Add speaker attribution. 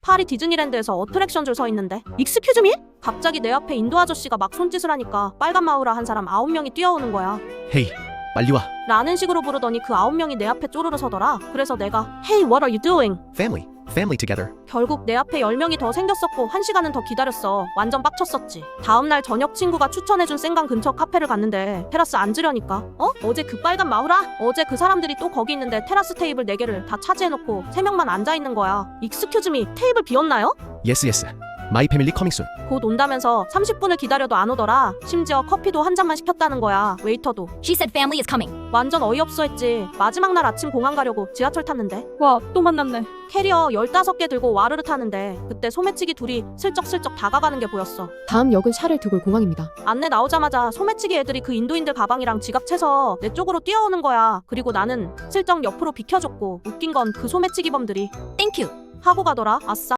Speaker 1: 파리 디즈니랜드에서 어트랙션 줄 서 있는데 익스큐즈 미? 갑자기 내 앞에 인도 아저씨가 막 손짓을 하니까 빨간 마우라 한 사람 9명이 뛰어오는 거야.
Speaker 2: 헤이, 빨리 와.
Speaker 1: 라는 식으로 부르더니 그 9명이 내 앞에 쪼르르 서더라. 그래서 내가 Hey, what are you doing?
Speaker 2: Family together.
Speaker 1: 결국 내 앞에 10명이 더 생겼었고 1시간은 더 기다렸어. 완전 빡쳤었지. 다음날 저녁 친구가 추천해준 생강 근처 카페를 갔는데 테라스 앉으려니까 어제 그 빨간 마우라? 어제 그 사람들이 또 거기 있는데 테라스 테이블 4개를 다 차지해놓고 3명만 앉아있는 거야. 익스큐즈 미, 테이블 비었나요?
Speaker 2: Yes. My family coming soon.
Speaker 1: 곧 온다면서 30분을 기다려도 안 오더라. 심지어 커피도 한 잔만 시켰다는 거야. 웨이터도.
Speaker 3: She said family is coming.
Speaker 1: 완전 어이없어 했지. 마지막 날 아침 공항 가려고 지하철 탔는데
Speaker 4: 와, 또 만났네.
Speaker 1: 캐리어 15개 들고 와르르 타는데 그때 소매치기 둘이 슬쩍슬쩍 다가가는 게 보였어.
Speaker 5: 다음 역은 샤를 드골 공항입니다.
Speaker 1: 안내 나오자마자 소매치기 애들이 그 인도인들 가방이랑 지갑 채서 내 쪽으로 뛰어오는 거야. 그리고 나는 슬쩍 옆으로 비켜줬고 웃긴 건 그 소매치기범들이
Speaker 3: Thank you.
Speaker 1: 하고 가더라. 아싸.